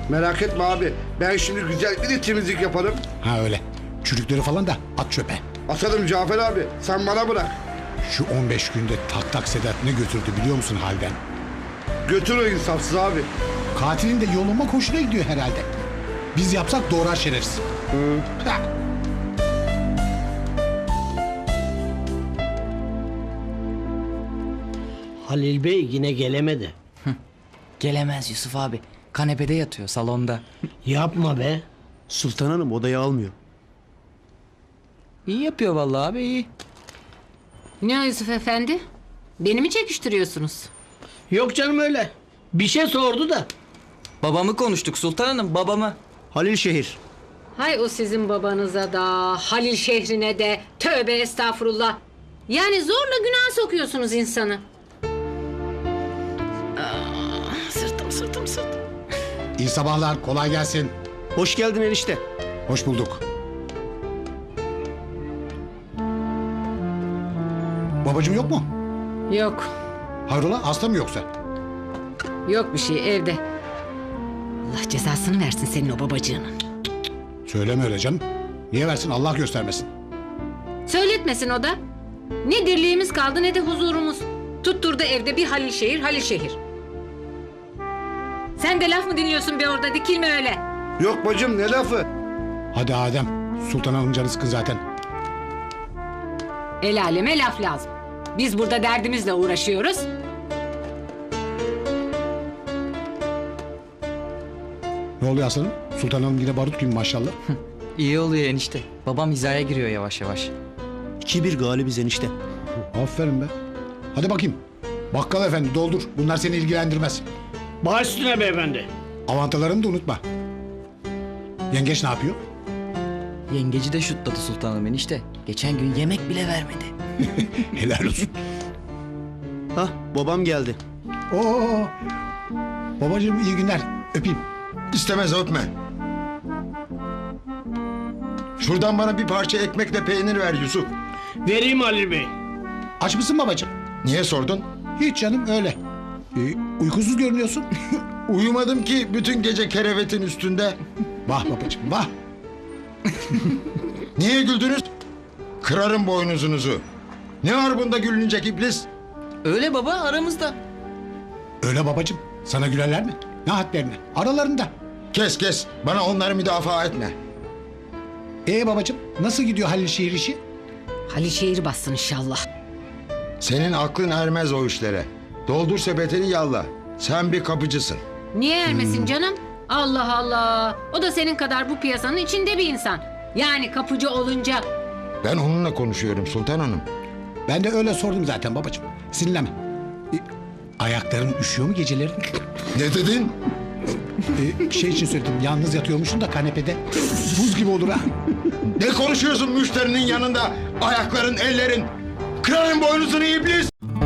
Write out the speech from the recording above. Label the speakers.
Speaker 1: Merak etme abi. Ben şimdi güzel bir de temizlik yaparım.
Speaker 2: Ha öyle. Çürükleri falan da at çöpe.
Speaker 1: Atarım Cafer abi. Sen bana bırak.
Speaker 2: Şu 15 günde tak tak Sedat ne götürdü biliyor musun halden?
Speaker 1: Götür o insafsız abi.
Speaker 2: Katilin de yoluma hoşuna gidiyor herhalde. Biz yapsak doğrar şerefsiz. Ha.
Speaker 3: Halil Bey yine gelemedi.
Speaker 4: Gelemez Yusuf abi. Kanepede yatıyor salonda.
Speaker 3: Yapma be.
Speaker 5: Sultan Hanım odayı almıyor.
Speaker 4: İyi yapıyor vallahi abi iyi.
Speaker 6: Ne o Yusuf Efendi? Beni mi çekiştiriyorsunuz?
Speaker 3: Yok canım öyle. Bir şey sordu da.
Speaker 4: Babamı konuştuk Sultan Hanım babamı.
Speaker 5: Halil Şehir.
Speaker 6: Hay o sizin babanıza da, Halil şehrine de, tövbe estağfurullah. Yani zorla günah sokuyorsunuz insanı. Sırtım.
Speaker 2: İyi sabahlar, kolay gelsin.
Speaker 5: Hoş geldin enişte.
Speaker 2: Hoş bulduk. Babacığım yok mu?
Speaker 6: Yok,
Speaker 2: Hayrola hasta mı yoksa?
Speaker 6: yok bir şey evde. Allah cezasını versin senin o babacığının.
Speaker 2: Söyleme öyle canım. Niye versin Allah göstermesin.
Speaker 6: Söyletmesin o da. Ne dirliğimiz kaldı ne de huzurumuz. Tutturdu evde bir Halil şehir. Sen de laf mı dinliyorsun be orada, dikilme öyle.
Speaker 1: Yok bacım ne lafı?
Speaker 2: Hadi Adem. Sultan Hanım canı sıkın zaten.
Speaker 6: El aleme laf lazım. Biz burada derdimizle uğraşıyoruz.
Speaker 2: Ne oluyor aslanım? Sultan Hanım yine barut gibi maşallah.
Speaker 4: İyi oluyor enişte. Babam hizaya giriyor yavaş yavaş.
Speaker 5: 2-1 galibiz enişte.
Speaker 2: Aferin be. Hadi bakayım. Bakkal efendi doldur. Bunlar seni ilgilendirmez.
Speaker 3: Baş üstüne beyefendi.
Speaker 2: Avantalarını da unutma. Yengeç ne yapıyor?
Speaker 4: Yengeci de şutladı Sultan Hanım enişte. Geçen gün yemek bile vermedi.
Speaker 2: Helal olsun.
Speaker 5: Hah babam geldi.
Speaker 2: Oo. Babacığım iyi günler. Öpeyim.
Speaker 7: İstemez öpme. Şuradan bana bir parça ekmekle peynir ver Yusuf.
Speaker 3: Vereyim Halil Bey.
Speaker 2: Aç mısın babacığım?
Speaker 7: Niye sordun?
Speaker 2: Hiç canım öyle. Uykusuz görünüyorsun.
Speaker 7: Uyumadım ki bütün gece kerevetin üstünde.
Speaker 2: Vah babacığım vah.
Speaker 7: Niye güldünüz? Kırarım boynuzunuzu. Ne var bunda gülünecek iblis?
Speaker 4: Öyle baba aramızda.
Speaker 2: Öyle babacığım. Sana gülerler mi? Ne hadlerine? Aralarında.
Speaker 7: Kes. Bana onları müdafaa etme.
Speaker 2: Babacığım nasıl gidiyor Halil şehir işi?
Speaker 6: Halil şehri bassın inşallah.
Speaker 7: Senin aklın ermez o işlere. Doldur sepetini yalla. Sen bir kapıcısın.
Speaker 6: Niye ermesin canım? Allah Allah. O da senin kadar bu piyasanın içinde bir insan. Yani kapıcı olunca.
Speaker 7: Ben onunla konuşuyorum Sultan Hanım.
Speaker 2: Ben de öyle sordum zaten babacığım. Sinirlenme. Ayakların üşüyor mu geceleri?
Speaker 7: Ne dedin?
Speaker 2: Şey için söyledim. Yalnız yatıyormuşsun da kanepede. Buz gibi olur ha.
Speaker 7: Ne konuşuyorsun müşterinin yanında? Ayakların, ellerin. Kırarım boynuzunu iblis.